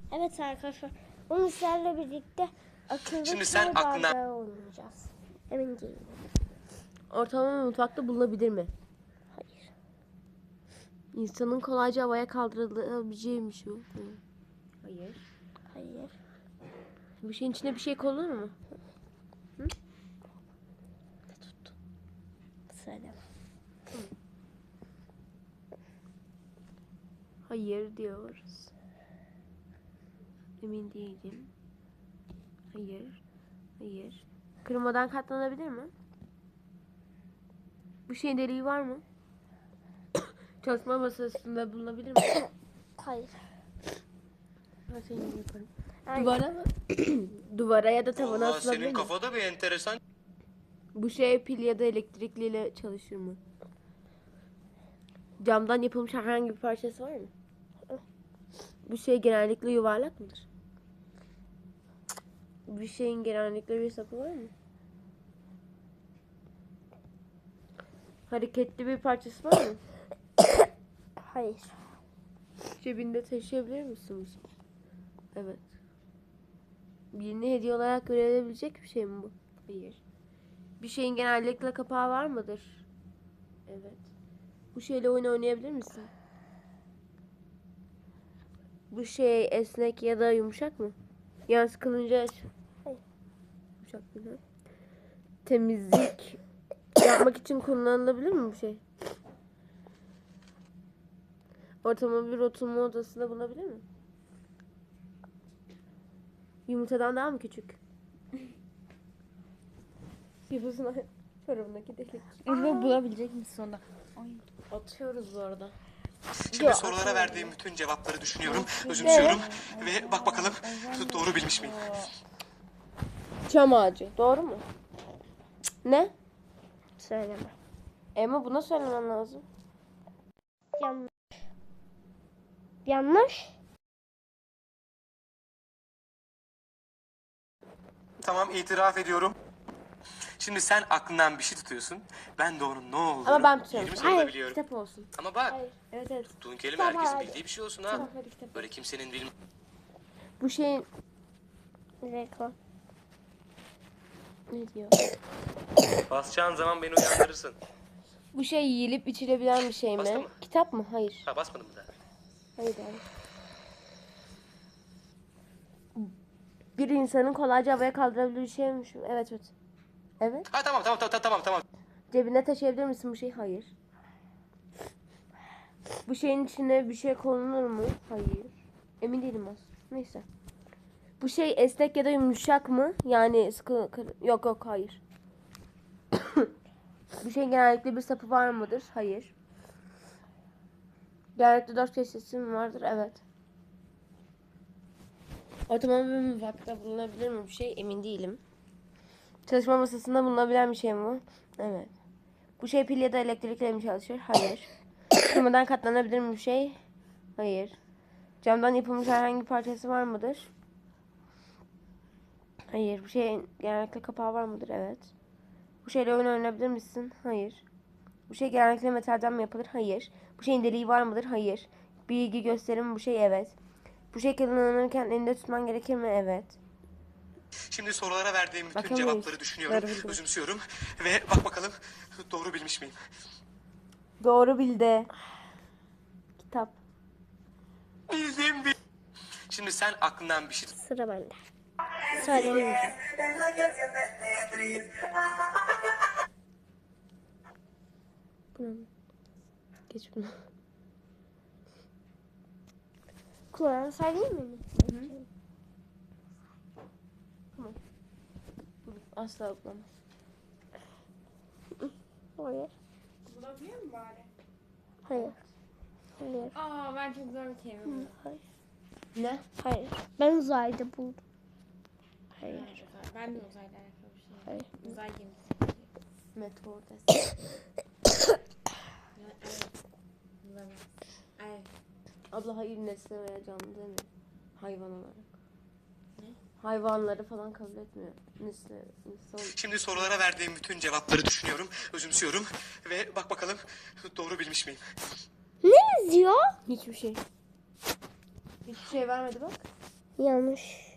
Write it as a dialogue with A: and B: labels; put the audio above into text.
A: Evet arkadaşlar. Bunu sizlerle birlikte akıllı
B: Şimdi sen
A: çay
B: aklına-
A: bardağı oynayacağız. Emin değilim.
C: Ortalama mutfakta bulunabilir mi?
A: Hayır.
C: İnsanın kolayca havaya kaldırılabileceğiymiş bu. Hayır.
A: Hayır.
C: Bu şeyin içine bir şey konulur mu?
A: Söyleme.
C: Hayır diyoruz. Emin değilim. Hayır. Hayır. Kırmadan katlanabilir mi? Bu şeyin deliği var mı? Çalışma masasında bulunabilir mi?
A: Hayır.
C: Ben senin gibi yaparım.
A: Hayır.
C: Duvara mı? Duvara ya da tavana
B: Vallahi
C: asılabilir
B: senin
C: mi?
B: kafada bir enteresan.
C: Bu şey pil ya da elektrikliyle çalışır mı? Camdan yapılmış herhangi bir parçası var mı? Bu şey genellikle yuvarlak mıdır? Bu şeyin genellikle bir sapı var mı? Hareketli bir parçası var mı?
A: Hayır.
C: Cebinde taşıyabilir misin? Evet. Birine hediye olarak görülebilecek bir şey mi bu? Hayır. Bir şeyin genellikle kapağı var mıdır? Evet. Bu şeyle oyun oynayabilir misin? Bu şey esnek ya da yumuşak mı? Yani sıkılınca
A: Hayır.
C: yumuşak değil mi? Temizlik yapmak için kullanılabilir mi bu şey? Ortalama bir oturma odasında bulunabilir mi? Yumurtadan daha mı küçük? Yumurtasına çorabındaki delik.
D: Bunu bulabilecek misin sonunda? Ay.
C: Atıyoruz bu arada.
B: Şimdi sorulara verdiğim bütün cevapları düşünüyorum, özümsüyorum ve bak bakalım doğru bilmiş miyim?
C: Çam ağacı. Doğru mu? Ne?
A: Söyleme.
C: Ama buna söylemen lazım.
A: Yanlış. Yanlış.
B: Tamam, itiraf ediyorum. Şimdi sen aklından bir şey tutuyorsun. Ben de onun ne olduğunu
C: Ama ben tutuyorum.
B: 20 soruda
C: Hayır,
B: biliyorum.
C: kitap olsun.
B: Ama bak,
C: Evet evet.
B: tuttuğun kelime
A: Tamam,
B: herkesin
A: hadi.
B: bildiği bir şey olsun ha.
C: Tamam, hadi kitap.
B: Böyle kimsenin bilmediği.
C: Bu şeyin
A: Rekor.
C: ne diyor?
B: Basacağın zaman beni uyandırırsın.
C: Bu şey yiyilip içilebilen bir şey
B: Bastı
C: mi?
B: mı?
C: Kitap mı? Hayır.
B: Ha, basmadım mı daha?
C: Hayır abi. Bir insanın kolayca havaya kaldırabildiği bir şeymiş mi? Evet evet. Evet.
B: Ha tamam.
C: Cebinde taşıyabilir misin bu şeyi? Hayır. Bu şeyin içine bir şey konulur mu? Hayır. Emin değilim aslında. Neyse. Bu şey esnek ya da yumuşak mı? Yani sıkı yok hayır. Bu şeyin genellikle bir sapı var mıdır? Hayır. Genellikle 4 köşesi mi vardır? Evet. Otomobil mutfakta bulunabilir mi bir şey? Emin değilim. Çalışma masasında bulunabilen bir şey mi bu? Evet. Bu şey pil ya da elektrikle mi çalışır? Hayır. Kırmadan katlanabilir mi bir şey? Hayır. Camdan yapılmış herhangi bir parçası var mıdır? Hayır. Bu şeyin genellikle kapağı var mıdır? Evet. Bu şeyle oyun oynayabilir misin? Hayır. Bu şey genellikle metalden mi yapılır? Hayır. Bu şeyin deliği var mıdır? Hayır. Bir ilgi gösterir mi bu şey? Evet. Bu şey kullanırken elinde tutman gerekir mi? Evet.
B: Şimdi sorulara verdiğim bütün
C: Bakamayız.
B: cevapları düşünüyorum,
C: Doğru bildim.
B: özümsüyorum ve bak bakalım doğru bilmiş miyim?
C: Doğru bildi. Kitap.
B: Bildim. Şimdi sen aklından bir şey
A: Sıra bende. Söyleyemeyeceğim.
C: Bunu. Geç bunu.
A: Kulağını söyleyeyim mi?
C: Asla bulamaz.
A: Hayır.
D: Bulabiliyor mu bari?
A: Hayır. Hayır.
D: Aa ben çok zor bir kelime buldum.
A: Hayır.
C: Ne?
A: Hayır. Ben uzayda buldum. Hayır.
D: Ben de uzayla alakalı bir şey.
A: Hayır.
D: Uzay gemisi.
C: Meteor desin.
D: Evet. Bulamaz. Evet.
C: Abla hayır nesne veya canlı demiyor. Hayvan olarak.
D: Ne?
C: Hayvanları falan kabul etmiyor. Nesne, insan.
B: Şimdi sorulara verdiğim bütün cevapları düşünüyorum, özümsüyorum ve bak bakalım doğru bilmiş miyim?
A: Ne yazıyor?
C: Hiçbir şey. Hiçbir şey vermedi bak.
A: Yanlış.